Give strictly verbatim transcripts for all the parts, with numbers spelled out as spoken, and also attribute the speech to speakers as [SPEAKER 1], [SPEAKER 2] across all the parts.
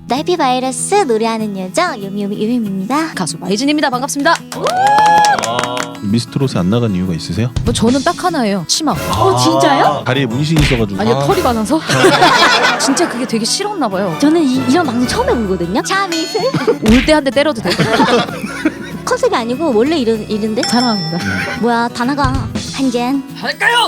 [SPEAKER 1] 나 해피바이러스 노래하는 여자 요미요미 요미입니다.
[SPEAKER 2] 가수 마이진입니다. 반갑습니다.
[SPEAKER 3] 미스트롯에 안 나간 이유가 있으세요?
[SPEAKER 2] 뭐 저는 딱 하나예요. 치마.
[SPEAKER 1] 어 진짜요?
[SPEAKER 3] 다리에 문신이 있어가지고.
[SPEAKER 2] 아니요,
[SPEAKER 4] 아.
[SPEAKER 2] 털이 많아서. 진짜 그게 되게 싫었나 봐요.
[SPEAKER 1] 저는 이, 이런 방송 처음 해보거든요. 참이슬
[SPEAKER 2] 올 때 한 대 때려도 돼.
[SPEAKER 1] 컨셉이 아니고 원래 이런 이런데
[SPEAKER 2] 사랑합니다.
[SPEAKER 1] 뭐야 다나가 한 잔.
[SPEAKER 2] 할까요?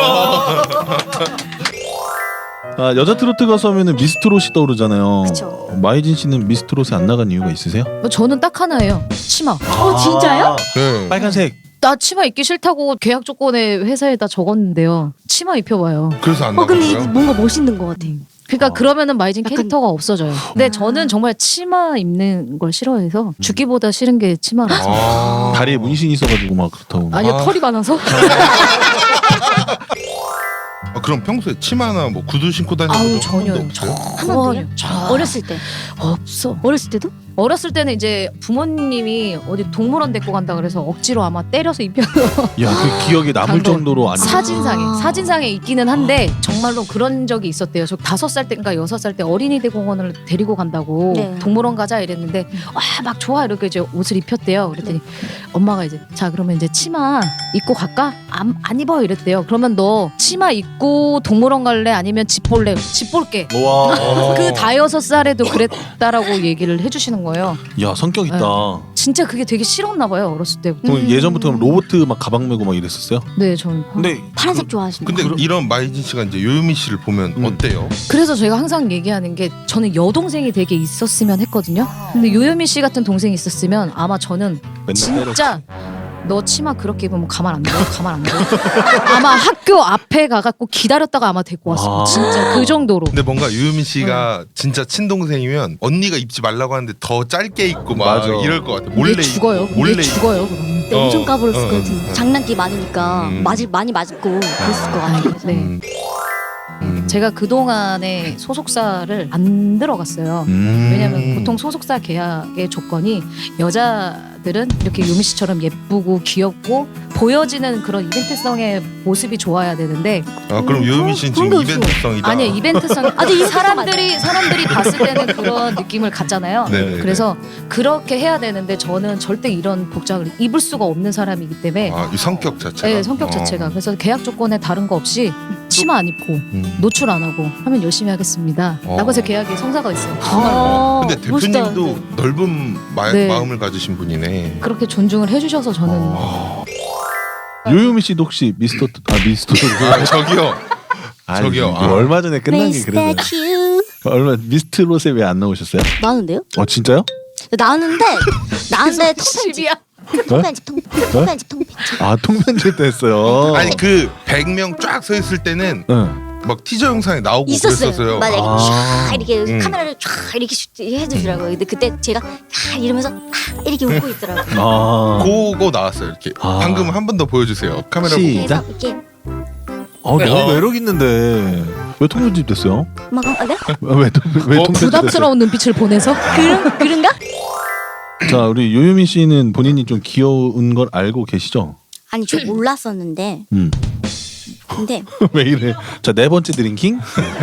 [SPEAKER 3] 아, 여자 트로트 가수 하면은 미스트롯이 떠오르잖아요.
[SPEAKER 1] 그쵸.
[SPEAKER 3] 마이진 씨는 미스트롯에 안 나간 이유가 있으세요?
[SPEAKER 2] 뭐 저는 딱 하나예요. 치마.
[SPEAKER 1] 어 진짜요?
[SPEAKER 4] 네.
[SPEAKER 3] 빨간색.
[SPEAKER 2] 나 치마 입기 싫다고 계약 조건에 회사에다 적었는데요. 치마 입혀봐요.
[SPEAKER 4] 그래서 안
[SPEAKER 1] 어 근데 이거
[SPEAKER 4] 나가고요.
[SPEAKER 1] 뭔가 멋있는 것 같아.
[SPEAKER 2] 그러니까
[SPEAKER 3] 어.
[SPEAKER 2] 그러면은 마이진
[SPEAKER 1] 약간-
[SPEAKER 2] 캐릭터가 없어져요. 근데
[SPEAKER 1] 아.
[SPEAKER 2] 저는 정말 치마 입는 걸 싫어해서 죽기보다 싫은 게 치마라서.
[SPEAKER 4] 아.
[SPEAKER 3] 다리에 문신이 있어가지고 막 그렇다고.
[SPEAKER 2] 아니요,
[SPEAKER 4] 아.
[SPEAKER 2] 털이 많아서.
[SPEAKER 4] 아, 그럼 평소에 치마나 뭐 구두 신고 다니는
[SPEAKER 2] 아우,
[SPEAKER 4] 한
[SPEAKER 2] 전혀요.
[SPEAKER 4] 번도 없어요?
[SPEAKER 1] 한 번도요?
[SPEAKER 2] 전혀.
[SPEAKER 1] 어렸을 때.
[SPEAKER 2] 없어.
[SPEAKER 1] 어렸을 때도?
[SPEAKER 2] 어렸을 때는 이제 부모님이 어디 동물원 데리고 간다 그래서 억지로 아마 때려서 입혀서
[SPEAKER 3] 야, 그 기억에 남을
[SPEAKER 2] 감동.
[SPEAKER 3] 정도로 안.
[SPEAKER 2] 사진상에
[SPEAKER 1] 아.
[SPEAKER 2] 사진상에 있기는 한데 정말로 그런 적이 있었대요. 저 다섯 살 때인가 여섯 살 때 어린이대 공원을 데리고 간다고
[SPEAKER 1] 네.
[SPEAKER 2] 동물원 가자 이랬는데 와 막 좋아 이렇게 이제 옷을 입혔대요. 그랬더니 엄마가 이제 자 그러면 이제 치마 입고 갈까? 안, 안 입어 이랬대요. 그러면 너 치마 입고 동물원 갈래? 아니면 집 볼래? 집 볼게.
[SPEAKER 3] 와.
[SPEAKER 2] 그 다여섯 살에도 그랬다라고 얘기를 해주시는 거예요.
[SPEAKER 3] 야, 성격 있다.
[SPEAKER 2] 진짜 그게 되게 싫었나 봐요 어렸을 때.
[SPEAKER 3] 그럼
[SPEAKER 1] 음.
[SPEAKER 3] 예전부터 로봇 막 가방 메고 막 이랬었어요?
[SPEAKER 2] 네, 저는.
[SPEAKER 3] 근데
[SPEAKER 1] 파란색 좋아하신다.
[SPEAKER 4] 근데 이런 마이진 씨가 이제 요요미 씨를 보면
[SPEAKER 3] 음.
[SPEAKER 4] 어때요?
[SPEAKER 2] 그래서 제가 항상 얘기하는 게 저는 여동생이 되게 있었으면 했거든요. 근데 요요미 씨 같은 동생이 있었으면 아마 저는
[SPEAKER 3] 맨날 때려.
[SPEAKER 2] 진짜 너 치마 그렇게 입으면 가만 안 둬. 가만 안 둬. 아마 학교 앞에 가갖고 기다렸다가 아마 데리고 왔어.
[SPEAKER 3] 아.
[SPEAKER 2] 진짜 그 정도로.
[SPEAKER 4] 근데 뭔가 요요미 씨가 진짜 친동생이면 언니가 입지 말라고 하는데 더 짧게 입고 막
[SPEAKER 3] 맞아.
[SPEAKER 4] 이럴 것 같아. 몰래
[SPEAKER 2] 얘 죽어요.
[SPEAKER 4] 입고, 몰래
[SPEAKER 2] 얘 죽어요. 그럼.
[SPEAKER 1] 근데 엄청
[SPEAKER 4] 어,
[SPEAKER 1] 까불었을
[SPEAKER 4] 어,
[SPEAKER 1] 것 같은데
[SPEAKER 4] 어.
[SPEAKER 1] 장난기 많으니까
[SPEAKER 4] 음.
[SPEAKER 1] 맞을 많이 맞고 그랬을 것 같아요.
[SPEAKER 2] 네.
[SPEAKER 4] 음. 음.
[SPEAKER 2] 제가 그 동안에 소속사를 안 들어갔어요.
[SPEAKER 3] 음.
[SPEAKER 2] 왜냐면 보통 소속사 계약의 조건이 여자들은 이렇게 요미 씨처럼 예쁘고 귀엽고 보여지는 그런 이벤트성의 모습이 좋아야 되는데
[SPEAKER 4] 아 그럼
[SPEAKER 1] 음,
[SPEAKER 4] 요요미 씨는
[SPEAKER 1] 그런
[SPEAKER 4] 지금
[SPEAKER 1] 게 없어.
[SPEAKER 4] 이벤트성이다.
[SPEAKER 2] 아니요 이벤트성
[SPEAKER 1] 아, 근데 이벤트성
[SPEAKER 2] 사람들이 사람들이 봤을 때는 그런 느낌을 갖잖아요.
[SPEAKER 4] 네네네.
[SPEAKER 2] 그래서 그렇게 해야 되는데 저는 절대 이런 복장을 입을 수가 없는 사람이기 때문에
[SPEAKER 4] 아, 이 성격 자체가.
[SPEAKER 2] 네, 성격
[SPEAKER 4] 어.
[SPEAKER 2] 자체가 그래서 계약 조건에 다른 거 없이 치마 안 입고
[SPEAKER 4] 음.
[SPEAKER 2] 노출 안 하고 하면 열심히 하겠습니다.
[SPEAKER 4] 어.
[SPEAKER 2] 라고 해서 계약에 성사가 있어요. 정말
[SPEAKER 1] 어,
[SPEAKER 4] 근데
[SPEAKER 1] 멋있다,
[SPEAKER 4] 대표님도
[SPEAKER 1] 근데.
[SPEAKER 4] 넓은 마,
[SPEAKER 2] 네.
[SPEAKER 4] 마음을 가지신 분이네.
[SPEAKER 2] 그렇게 존중을 해주셔서 저는
[SPEAKER 4] 어.
[SPEAKER 3] 요요미 씨도 혹시 미스터 아 미스터
[SPEAKER 4] 아 저기요.
[SPEAKER 3] 아니,
[SPEAKER 4] 저기요.
[SPEAKER 3] 이거
[SPEAKER 4] 아.
[SPEAKER 3] 얼마 전에 끝난 게 그래서
[SPEAKER 1] 미스터 큐
[SPEAKER 3] 얼마 미스트롯에 왜 안 나오셨어요?
[SPEAKER 1] 나는데요?
[SPEAKER 3] 어 진짜요?
[SPEAKER 1] 나는데 나는데 통편집
[SPEAKER 2] 집이야.
[SPEAKER 1] 통편집 통- 통편집 통편집
[SPEAKER 3] 아 통편집 때 했어요.
[SPEAKER 4] 아니 그 백 명 쫙 서 있을 때는
[SPEAKER 3] 응.
[SPEAKER 4] 막 티저 영상에 나오고
[SPEAKER 1] 있었어요.
[SPEAKER 4] 그랬었어요.
[SPEAKER 1] 맞아 이렇게
[SPEAKER 3] 아.
[SPEAKER 1] 쫙 이렇게
[SPEAKER 4] 음.
[SPEAKER 1] 카메라를 쫙 이렇게 슉 해주더라고요. 근데 그때 제가 아 이러면서 아 이렇게 웃고 있더라고요.
[SPEAKER 3] 아.
[SPEAKER 4] 그거 나왔어요. 이렇게
[SPEAKER 3] 아.
[SPEAKER 4] 방금 한 번 더 보여주세요. 카메라
[SPEAKER 3] 시-
[SPEAKER 4] 보고.
[SPEAKER 3] 시작.
[SPEAKER 1] 그래서 이렇게
[SPEAKER 3] 어
[SPEAKER 4] 네,
[SPEAKER 3] 너무
[SPEAKER 4] 어.
[SPEAKER 3] 매력 있는데 왜 통편집 됐어요?
[SPEAKER 1] 막 아, 네?
[SPEAKER 3] 왜, 통- 왜
[SPEAKER 4] 어,
[SPEAKER 3] 통편집 됐어요?
[SPEAKER 2] 부담스러운 눈빛을 보내서
[SPEAKER 1] 그런 그런가?
[SPEAKER 3] 자 우리 요요미 씨는 본인이 좀 귀여운 걸 알고 계시죠?
[SPEAKER 1] 아니 저 몰랐었는데
[SPEAKER 3] 음.
[SPEAKER 1] 근데
[SPEAKER 3] 왜 이래? 자 네 번째 드링킹.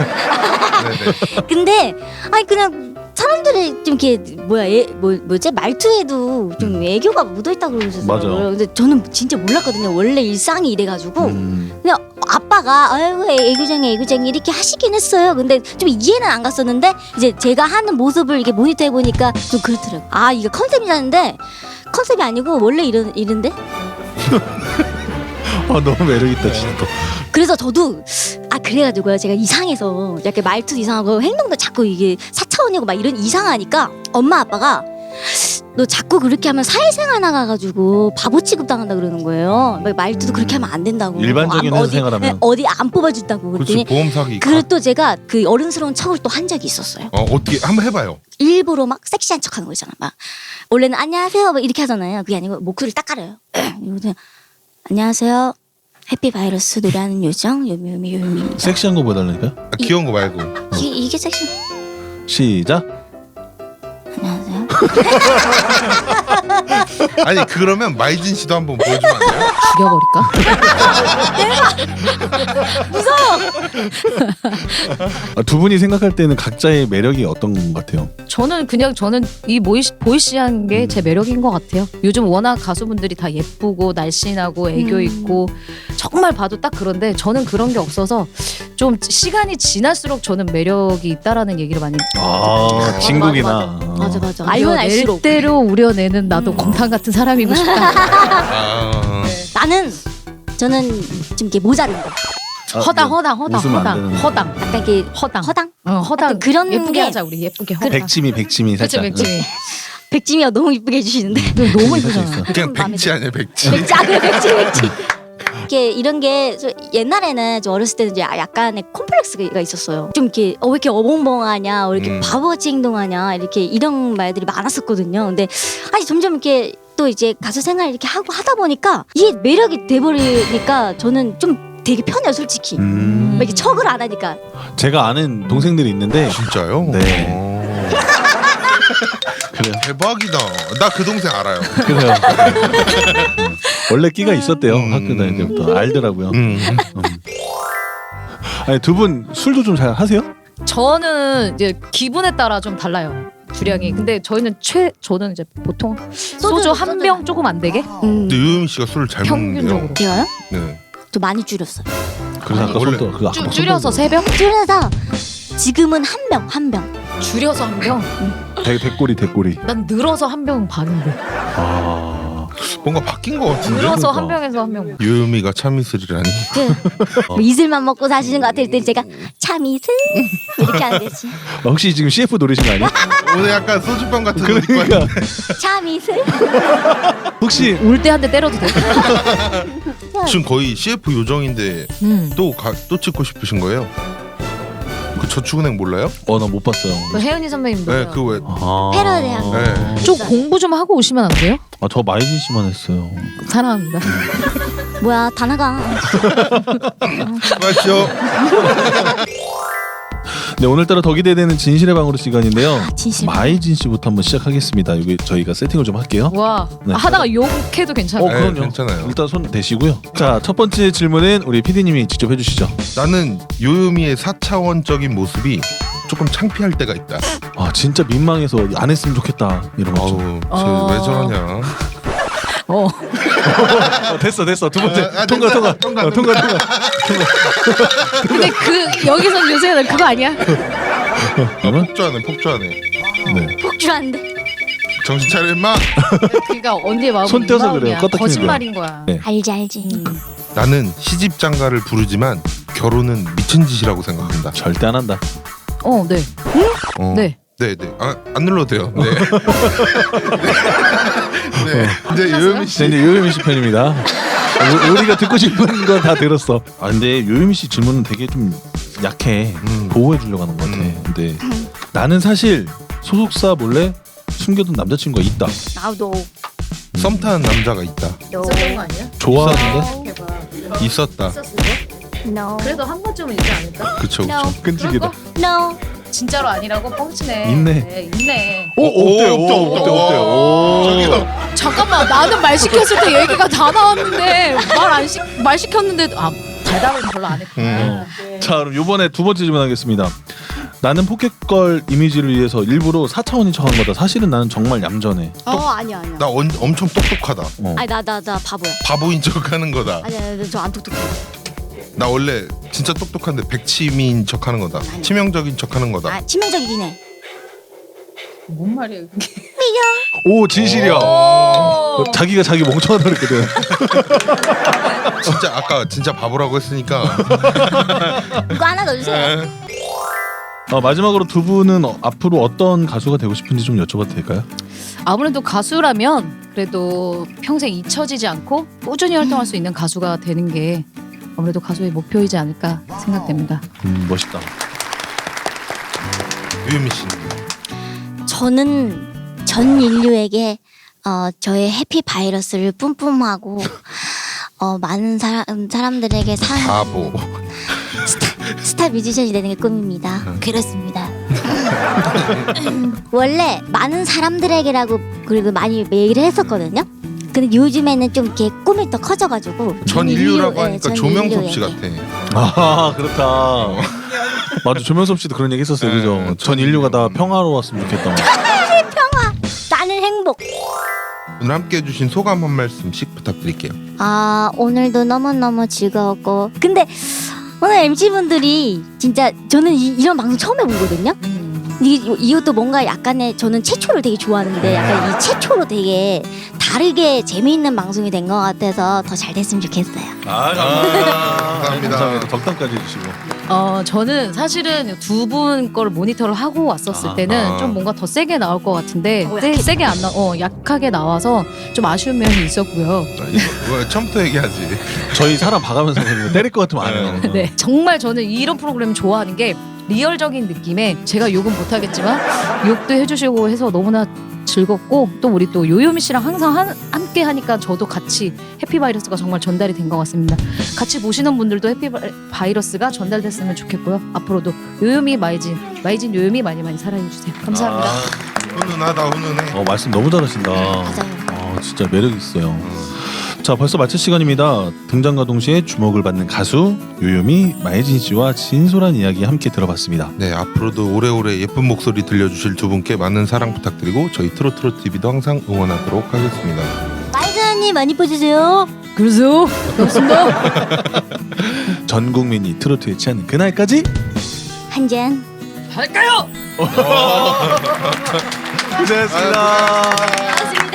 [SPEAKER 4] 네네.
[SPEAKER 1] 근데 아니 그냥 사람들이 좀 이렇게 뭐야 애, 뭐 뭐지 말투에도 좀 애교가 묻어있다 그러셨어요.
[SPEAKER 3] 맞아.
[SPEAKER 1] 근데 저는 진짜 몰랐거든요. 원래 일상이 이래가지고
[SPEAKER 3] 음.
[SPEAKER 1] 그냥 아빠가 아이고 애교쟁이 애교쟁이 이렇게 하시긴 했어요. 근데 좀 이해는 안 갔었는데 이제 제가 하는 모습을 이렇게 모니터해 보니까 좀 그렇더라고. 아 이게 컨셉이라는데 컨셉이 아니고 원래 이런 이런데.
[SPEAKER 3] 아 너무 매력 있다 진짜.
[SPEAKER 1] 그래서 저도 아 그래가지고요 제가 이상해서 약간 말투도 이상하고 행동도 자꾸 이게 사차원이고 막 이런 이상하니까 엄마 아빠가 너 자꾸 그렇게 하면 사회생활 나가가지고 바보 취급 당한다 그러는 거예요. 막 말투도 그렇게 하면 안 된다고.
[SPEAKER 3] 일반적인
[SPEAKER 1] 안-
[SPEAKER 3] 회사생활하면.
[SPEAKER 1] 어디, 어디 안 뽑아준다고
[SPEAKER 4] 그렇지
[SPEAKER 1] 그랬더니
[SPEAKER 4] 보험 사기.
[SPEAKER 1] 그리고 또 제가 그 어른스러운 척을 또 한 적이 있었어요.
[SPEAKER 4] 어 어떻게 한번 해봐요.
[SPEAKER 1] 일부러 막 섹시한 척하는 거 있잖아. 막 원래는 안녕하세요 막 이렇게 하잖아요. 그게 아니고 목소리를 딱 깔아요. 이러고 안녕하세요. 해피바이러스 노래하는 요정 요미요미 요미입니다.
[SPEAKER 3] 섹시한 거 보여달라니까요?
[SPEAKER 4] 아, 귀여운 거 말고.
[SPEAKER 1] 이게, 이게 섹시.
[SPEAKER 3] 시작.
[SPEAKER 1] 안녕하세요.
[SPEAKER 4] 아니 그러면 마이진 씨도 한번 보여주면 안 돼요?
[SPEAKER 2] 죽여버릴까?
[SPEAKER 3] 아, 두 분이 생각할 때는 각자의 매력이 어떤 것 같아요?
[SPEAKER 2] 저는 그냥 저는 이 보이 보이시한 게 제 매력인 것 같아요. 요즘 워낙 가수분들이 다 예쁘고 날씬하고 애교
[SPEAKER 1] 음.
[SPEAKER 2] 있고 정말 봐도 딱 그런데 저는 그런 게 없어서 좀 시간이 지날수록 저는 매력이 있다라는 얘기를 많이
[SPEAKER 3] 아, 진국이나.
[SPEAKER 1] 맞아 맞아. 알면
[SPEAKER 2] 낼
[SPEAKER 1] 알수록.
[SPEAKER 2] 대로 우려내는 나도 곰탕 같은 사람이고 싶다.
[SPEAKER 4] 아,
[SPEAKER 1] 나는 저는 좀 이렇게 모자른 거.
[SPEAKER 3] 아,
[SPEAKER 2] 허당
[SPEAKER 3] 네.
[SPEAKER 2] 허당 허당
[SPEAKER 3] 웃으면 안
[SPEAKER 2] 허당
[SPEAKER 3] 되는.
[SPEAKER 2] 허당
[SPEAKER 1] 약간 이렇게
[SPEAKER 2] 허당
[SPEAKER 1] 허당?
[SPEAKER 2] 어, 허당
[SPEAKER 1] 약간 그런
[SPEAKER 2] 예쁘게
[SPEAKER 1] 게-
[SPEAKER 2] 하자 우리 예쁘게 허당.
[SPEAKER 3] 백치미 백치미
[SPEAKER 2] 그렇죠
[SPEAKER 3] 살짝.
[SPEAKER 2] 백지미.
[SPEAKER 1] 백지미가 너무 이쁘게 해주시는데.
[SPEAKER 2] 너무
[SPEAKER 3] 살짝
[SPEAKER 2] 이쁘잖아.
[SPEAKER 3] 있어.
[SPEAKER 4] 그냥
[SPEAKER 1] 마음에
[SPEAKER 4] 백지 아니야 백지.
[SPEAKER 1] 백지 아 그래 백지 백지. 이렇게 이런 게 저 옛날에는 저 어렸을 때는 이제 약간의 콤플렉스가 있었어요. 좀 이렇게 어 왜 이렇게 어벙벙하냐, 왜 이렇게
[SPEAKER 4] 음.
[SPEAKER 1] 바보같이 행동하냐 이렇게 이런 말들이 많았었거든요. 근데 아니 점점 이렇게 또 이제 가수 생활 이렇게 하고 하다 보니까 이게 매력이 돼버리니까 저는 좀 되게 편해요, 솔직히.
[SPEAKER 3] 음.
[SPEAKER 1] 막 이렇게 척을 안 하니까.
[SPEAKER 3] 제가 아는 동생들이 있는데
[SPEAKER 4] 진짜요?
[SPEAKER 3] 네.
[SPEAKER 4] 어.
[SPEAKER 3] 그래요.
[SPEAKER 4] 대박이다. 나 그 동생 알아요.
[SPEAKER 3] 그래요. 원래 끼가 있었대요.
[SPEAKER 4] 음.
[SPEAKER 3] 학교 다닐 때부터 알더라고요.
[SPEAKER 4] 음.
[SPEAKER 3] 음. 아니 두 분 술도 좀 잘 하세요?
[SPEAKER 2] 저는 이제 기분에 따라 좀 달라요. 주량이. 근데 저희는 최 저는 이제 보통 소주 한
[SPEAKER 1] 소주
[SPEAKER 2] 병 조금 안 되게
[SPEAKER 1] 음.
[SPEAKER 4] 근데 유미 씨가 술을 잘 먹는데요.
[SPEAKER 2] 평균적으로
[SPEAKER 1] 제가요?
[SPEAKER 4] 네.
[SPEAKER 1] 좀 많이 줄였어요.
[SPEAKER 3] 그래서
[SPEAKER 2] 아니,
[SPEAKER 3] 아까
[SPEAKER 4] 원래
[SPEAKER 3] 손도 그 아까
[SPEAKER 2] 줄- 줄여서
[SPEAKER 3] 손도
[SPEAKER 2] 세 병?
[SPEAKER 1] 줄여서 지금은 한 병, 한 병.
[SPEAKER 2] 줄여서 한 병?
[SPEAKER 3] 대 대꼬리 대꼬리.
[SPEAKER 2] 난 늘어서 한 병 반인데.
[SPEAKER 3] 아.
[SPEAKER 4] 뭔가 바뀐 것 같은데.
[SPEAKER 2] 늘어서
[SPEAKER 3] 그러니까.
[SPEAKER 2] 한 병에서 한 병.
[SPEAKER 4] 유미가 참이슬이라니.
[SPEAKER 1] 그 뭐 이슬만 먹고 사시는 것 같을 때 제가 참 이슬 이렇게 하는 거지.
[SPEAKER 3] 아, 혹시 지금 씨에프 노리신 거 아니에요?
[SPEAKER 4] 오늘 약간 소주병 같은 거 입고
[SPEAKER 3] 그러니까
[SPEAKER 4] 왔는데.
[SPEAKER 1] 참 이슬.
[SPEAKER 3] 혹시
[SPEAKER 2] 울 때 한 대 때려도 돼?
[SPEAKER 4] 지금 거의 씨에프 요정인데
[SPEAKER 2] 음.
[SPEAKER 4] 또 가, 또 찍고 싶으신 거예요? 그 저축은행 몰라요?
[SPEAKER 3] 어 나 못 봤어요.
[SPEAKER 2] 그 혜은이 선배님
[SPEAKER 4] 네,
[SPEAKER 2] 노래.
[SPEAKER 4] 그 왜?
[SPEAKER 3] 아.
[SPEAKER 1] 패러디야.
[SPEAKER 4] 네.
[SPEAKER 2] 좀 공부 좀 하고 오시면 안 돼요?
[SPEAKER 3] 아, 저 마이진 씨만 했어요.
[SPEAKER 2] 사랑합니다.
[SPEAKER 1] 뭐야 다 나가.
[SPEAKER 4] 맞죠?
[SPEAKER 3] 네, 오늘따라 더 기대되는 진실의 방으로 시간인데요.
[SPEAKER 1] 진실.
[SPEAKER 3] 마이진 씨부터 한번 시작하겠습니다. 이게 저희가 세팅을 좀 할게요.
[SPEAKER 2] 와
[SPEAKER 3] 네.
[SPEAKER 2] 하다가 욕해도 괜찮아요.
[SPEAKER 3] 어,
[SPEAKER 4] 네,
[SPEAKER 3] 그럼요.
[SPEAKER 4] 괜찮아요.
[SPEAKER 3] 일단 손 대시고요. 자, 첫 번째 질문은 우리 피디님이 직접 해주시죠.
[SPEAKER 4] 나는 요요미의 사차원적인 모습이 조금 창피할 때가 있다.
[SPEAKER 3] 아, 진짜 민망해서 안 했으면 좋겠다 이런 거.
[SPEAKER 4] 아우,
[SPEAKER 2] 어.
[SPEAKER 4] 쟤왜 저러냐?
[SPEAKER 2] 어.
[SPEAKER 3] 어, 됐어, 됐어. 두 번째
[SPEAKER 4] 아, 아,
[SPEAKER 3] 통과,
[SPEAKER 4] 됐다.
[SPEAKER 3] 통과,
[SPEAKER 4] 통과,
[SPEAKER 3] 어, 통과, 통과.
[SPEAKER 2] 근데 그 여기서 요새 그거 아니야?
[SPEAKER 3] 그러면
[SPEAKER 4] 폭주하네, 폭주하네.
[SPEAKER 3] 네.
[SPEAKER 1] 폭주한데.
[SPEAKER 4] 정신 차려 임마.
[SPEAKER 2] 그러니까 언니의 마음은
[SPEAKER 3] 손 떼서
[SPEAKER 2] 이
[SPEAKER 3] 그래요.
[SPEAKER 2] 마음이야.
[SPEAKER 3] 껐다 키는
[SPEAKER 2] 거짓말인 거야.
[SPEAKER 3] 네.
[SPEAKER 1] 알지 알지.
[SPEAKER 2] 음.
[SPEAKER 4] 나는 시집 장가를 부르지만 결혼은 미친 짓이라고 생각한다.
[SPEAKER 3] 절대 안 한다.
[SPEAKER 2] 어, 네.
[SPEAKER 4] 어.
[SPEAKER 2] 네.
[SPEAKER 4] 네, 네. 아, 안 눌러도 돼요. 네. 네. 네. 이제 요요미
[SPEAKER 3] 네,
[SPEAKER 4] 씨.
[SPEAKER 3] 이제 요요미 씨 편입니다. 우- 우리가 듣고 싶은 건 다 들었어. 아, 근데 요요미 씨 질문은 되게 좀 약해.
[SPEAKER 4] 음.
[SPEAKER 3] 보호해 주려고 하는 것 같아.
[SPEAKER 4] 음.
[SPEAKER 3] 근데 나는 사실 소속사 몰래 숨겨둔 남자친구가 있다.
[SPEAKER 1] 나도.
[SPEAKER 4] 썸 타는 남자가 있다.
[SPEAKER 1] 너.
[SPEAKER 2] 있었던 거 아니야?
[SPEAKER 3] 좋아하는데?
[SPEAKER 4] 있었다.
[SPEAKER 1] No.
[SPEAKER 2] 그래도 한 번쯤은 있지 않을까?
[SPEAKER 4] 그쵸,
[SPEAKER 1] No.
[SPEAKER 4] 그쵸.
[SPEAKER 3] 끈질기다.
[SPEAKER 1] No.
[SPEAKER 2] 진짜로 아니라고 뻥치네.
[SPEAKER 3] 있네.
[SPEAKER 2] 네, 있네.
[SPEAKER 3] 오, 어때?
[SPEAKER 4] 없다,
[SPEAKER 3] 오,
[SPEAKER 4] 없다.
[SPEAKER 3] 어때? 어때? 오.
[SPEAKER 4] 저기다.
[SPEAKER 2] 잠깐만, 나는 말 시켰을 때 얘기가 다 나왔는데 말 안 시, 말 시켰는데 아 대답을 별로 안 했구나.
[SPEAKER 4] 음.
[SPEAKER 3] 자, 그럼 이번에 두 번째 질문하겠습니다. 나는 포켓걸 이미지를 위해서 일부러 사 차원인 척한 거다. 사실은 나는 정말 얌전해.
[SPEAKER 1] 어 아니야 아니야.
[SPEAKER 4] 나 언, 엄청 똑똑하다.
[SPEAKER 3] 어.
[SPEAKER 1] 아니 나 나 나 바보야.
[SPEAKER 4] 바보인 척하는 거다.
[SPEAKER 1] 아니야 저안 똑똑해.
[SPEAKER 4] 나 원래 진짜 똑똑한데 백치미인 척하는 거다. 치명적인 척하는 거다.
[SPEAKER 1] 아 치명적이긴 해.
[SPEAKER 2] 뭔 말이야 그게?
[SPEAKER 3] 오, 진실이야. 어, 자기가 자기 멍청하다 그랬거든.
[SPEAKER 4] 진짜 아까 진짜 바보라고 했으니까.
[SPEAKER 1] 이거 하나 더 주세요.
[SPEAKER 3] 어, 마지막으로 두 분은 어, 앞으로 어떤 가수가 되고 싶은지 좀 여쭤봐도 될까요?
[SPEAKER 2] 아무래도 가수라면 그래도 평생 잊혀지지 않고 꾸준히 활동할 수 있는 가수가 되는 게 아무래도 가수의 목표이지 않을까 생각됩니다.
[SPEAKER 3] 음, 멋있다.
[SPEAKER 4] 유미 씨.
[SPEAKER 1] 저는 전 인류에게 어, 저의 해피 바이러스를 뿜뿜하고 어, 많은 사람 사람들에게 상
[SPEAKER 4] 바보.
[SPEAKER 1] 스타 뮤지션이 되는 게 꿈입니다. 그렇습니다. 원래 많은 사람들에게라고 그리고 많이 얘기를 했었거든요. 근데 요즘에는 좀 이렇게 꿈이 또 커져가지고
[SPEAKER 4] 전 인류라고
[SPEAKER 1] 인류,
[SPEAKER 4] 하니까
[SPEAKER 1] 예, 전
[SPEAKER 4] 조명섭 씨
[SPEAKER 1] 인류예요.
[SPEAKER 4] 같아.
[SPEAKER 3] 아 그렇다. 맞아 조명섭 씨도 그런 얘기 했었어요.
[SPEAKER 4] 네,
[SPEAKER 3] 그죠?
[SPEAKER 4] 전
[SPEAKER 3] 전 인류가 다
[SPEAKER 4] 인류.
[SPEAKER 3] 평화로웠으면 좋겠다.
[SPEAKER 1] 나는 행복.
[SPEAKER 4] 오늘 함께 해주신 소감 한 말씀씩 부탁드릴게요.
[SPEAKER 1] 아 오늘도 너무너무 즐거웠고 근데 오늘 엠씨분들이 진짜 저는 이, 이런 방송 처음 해보거든요. 이, 이것도 뭔가 약간의 저는 최초를 되게 좋아하는데 약간 이 최초로 되게 다르게 재미있는 방송이 된 것 같아서 더 잘 됐으면 좋겠어요.
[SPEAKER 3] 아
[SPEAKER 4] 감사합니다.
[SPEAKER 3] 감사합니다. 덕담까지 해주시고.
[SPEAKER 2] 어 저는 사실은 두 분 거를 모니터를 하고 왔었을
[SPEAKER 3] 아,
[SPEAKER 2] 때는
[SPEAKER 4] 아.
[SPEAKER 2] 좀 뭔가 더 세게 나올 것 같은데
[SPEAKER 1] 어,
[SPEAKER 2] 세,
[SPEAKER 1] 약해.
[SPEAKER 2] 세게 안 나, 어 약하게 나와서 좀 아쉬운 면이 있었고요.
[SPEAKER 4] 뭐, 처음부터 얘기하지.
[SPEAKER 3] 저희 사람 봐가면서 그냥 때릴 것 같으면 안 해요.
[SPEAKER 2] 네, 정말 저는 이런 프로그램 좋아하는 게 리얼적인 느낌에 제가 욕은 못하겠지만 욕도 해주시고 해서 너무나 즐겁고 또 우리 또 요요미 씨랑 항상 한, 함께 하니까 저도 같이 해피바이러스가 정말 전달이 된 것 같습니다. 같이 보시는 분들도 해피바이러스가 전달됐으면 좋겠고요. 앞으로도 요요미 마이진 마이진 요요미 많이 많이 사랑해주세요. 감사합니다.
[SPEAKER 3] 아,
[SPEAKER 4] 훈훈하다 훈훈해.
[SPEAKER 3] 어 말씀 너무 잘하신다.
[SPEAKER 1] 맞아요.
[SPEAKER 3] 아 진짜 매력 있어요. 자 벌써 마칠 시간입니다. 등장과 동시에 주목을 받는 가수 요요미 마예진 씨와 진솔한 이야기 함께 들어봤습니다.
[SPEAKER 4] 네, 앞으로도 오래오래 예쁜 목소리 들려주실 두 분께 많은 사랑 부탁드리고 저희 트로트로 티비도 항상 응원하도록 하겠습니다.
[SPEAKER 1] 마이사님 많이 봐주세요.
[SPEAKER 2] 그러세요? 고맙습니다.
[SPEAKER 3] 전 국민이 트로트에 취하는 그날까지
[SPEAKER 1] 한 잔.
[SPEAKER 2] 할까요?
[SPEAKER 3] 고생했습니다.
[SPEAKER 4] 아,
[SPEAKER 1] 고맙습니다.